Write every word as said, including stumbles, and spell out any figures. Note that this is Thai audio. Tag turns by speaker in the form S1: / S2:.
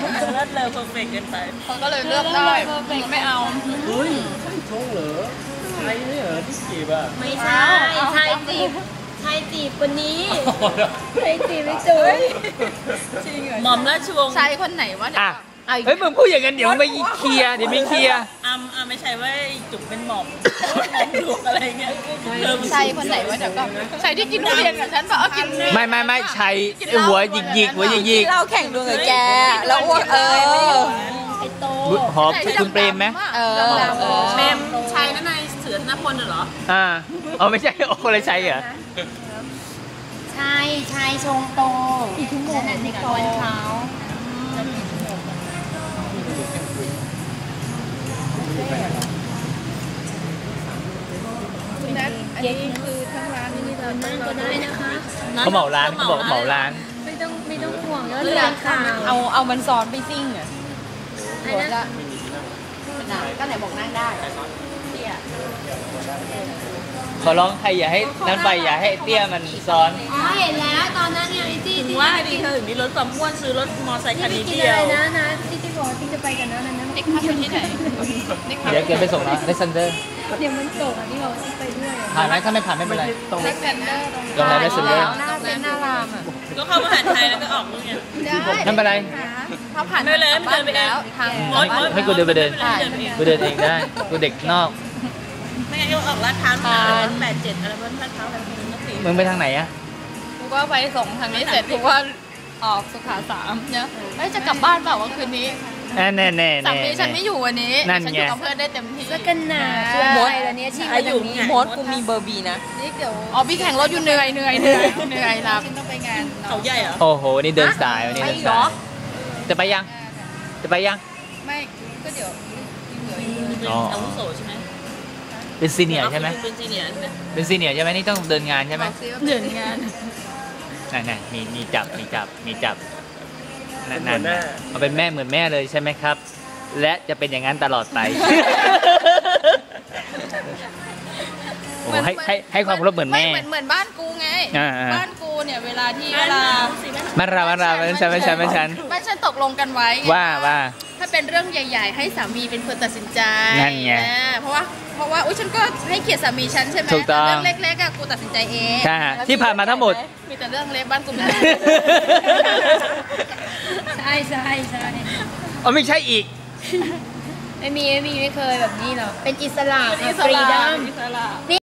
S1: เลิศเลอเพอร์เฟกต์เกินไป
S2: เขาก็เลยเลือกได้ไม่เอา
S3: เฮ้ยใช่ชงเหรอใช่เนี่ยเหรอที่จีบอ่ะ
S4: ไม่ใช่ชายจีบชายจีบคนนี้ชายจีบไม่จุ๋ย
S2: จริงเหรอ
S1: หม่อมราชวงศ์
S2: ชายคนไหนวะเนี่ย
S5: เฮ้ยมึงพูดอย่างนั้นเดี๋ยวไม่เคลียร์เดี๋ยวไม่เคลียร์
S1: อ้ำอ้ำไม่ใช่ว่าจุ๋มเป็นหม่อมหม่อมดูอะไรเงี้ย
S2: ชายคนไหนวะเดี๋ยวก็ชายที่กินทุเรียนกับฉันเปล่ากิน
S5: ไม่ไม่ไม่ชายหัวหยิกหยิกหัวหยิกหยิก
S4: เราแข่งดวงกับแกแล้วอ้วกเออไอโต
S5: หอมคุณเปรมไหม
S2: เออเปรมชายนั่นนายเสือธนพลเหรอ
S5: อ่าอ๋อไม่ใช่โอ้คนละชายเหรอ
S4: ชายชายชงโตอีกชั่วโมงในตอนเช้า
S2: อันนี้คือทั้งร้านนี่เรานั่งก็ได้นะคะ
S5: เขาเหมาร้านเขาบอกเหมาร้าน
S4: ไม่ต้องไม่ต้องห่วงแล้วเลยค่ะ
S2: เอาเอามันซ้อนไปซิ่งอ่ะหัวละก็ไหนบอกนั่งได้เตี้ย
S5: ขอร้องใครอย่าให้นั่นไปอย่าให้เตี้ยมันซ้อน
S4: อ๋อเห็นแล้วตอนนั้นเนี่ยไอ้ที่
S1: ที่ว่าดีเธอถึงมีรถความอ้วนซื้อรถมอเตอร์ไซค์คันนี้เดียว
S4: นะนะที่ที่บอกที่จะไปกันนะนั้น
S2: เด็กพักอยู่ที่ไหน
S5: เดี๋ยวเกินไปส่งนะเลสเซนเดอร์
S4: เดี๋ยวมันส่งอันนี้เราไปด้วย
S5: ผ่านไหมถ้าไม่ผ่านไม่เป็นไร
S2: ตรงเลสเซนเดอร์
S5: ตรงไหนเลสเซนเดอร์
S4: หน้าเป็นหน้ารามอ่ะ
S1: ก็เข้ามหาไทยแล้วก็ออกนู่นไง
S5: นั่นเป็นไร
S2: เขาผ่าน
S1: ไม่เลยไม่เดินไปแล้ว
S2: ทาง
S5: ให้กูเดินไปเดินกูเดินเองได้กูเด็กนอก
S1: ไม่งั้นก็ออกลาดพร้าวแปดเจ็ดอะไรบ้างลาดพร้าวแบบนี้
S5: มึงไปทางไหนอะ
S2: กูก็ไปส่งทางนี้เสร็จกูว่าออกสุขาสามเนี่ยเฮ้ยจะกลับบ้านเปล่าว่าคืนนี้
S5: แน่แน่แน่
S2: สามีฉันไม่อยู่วันนี้ฉันอยู่กับเพื่อนได้เต็มที่
S4: แล้วกันนะมดแล้วเนี่ยที่
S1: อยู่
S4: มดกูมีเบอร์บีนะ
S2: นี่เดี๋ยวอ๋อพี่แข่งรถอยู่เหนื่อยเหนื่อยเหนื่อยเหนื่อยรับฉันต้องไปงาน
S1: เขาใหญ่เหรอ
S5: โอ้โหนี่เดินสายวันนี้เดินสายจะไปยังจะไปยัง
S2: ไม่ก็เดี๋ยว
S1: อ๋ออาวุโสใช่ไหม
S5: เป็นซีเนียร์ใช่ไหม
S1: เป็นซีเนียร์ใช่ไหม
S5: เป็นซีเนียร์ใช่ไหมนี่ต้องเดินงานใช่ไหม
S2: เดินงาน
S5: นั่นนั่นมีมีจับมีจับมีจับนั่นนั่นเอาเป็นแม่เหมือนแม่เลยใช่ไหมครับและจะเป็นอย่างนั้นตลอดไปโอ้ให้ให้ให้ความเคารพเหมือนแม่
S2: เหมือนเหมือนบ้านกูไงบ้านกูเนี่ยเวลาที่เวลา
S5: บ้านเราบ้านเราไม่ใช่ไม่ใช่ไม่ใช่
S2: บ้านฉันตกลงกันไว้
S5: ว่าว่า
S2: ถ้าเป็นเรื่องใหญ่ๆให้สามีเป็นคนตัดสินใจ
S5: นั่นไง
S2: เพราะว่าเพราะว่าอุ้ยฉันก็ให้เกียรติสามีฉันใช่ไหมแต่เรื่องเล็กๆอะกูตัดสินใจเอง
S5: ใช่ที่ผ่านมาทั้งหมด
S2: มีแต่เรื่องเล็กบ้านกูมี
S4: ใช่ใช่ใช่
S5: อ๋อไม่ใช่อีก
S4: ไม่มีไม่มีไม่เคยแบบนี้หรอกเป็นอิสระ
S2: ฟรีดัม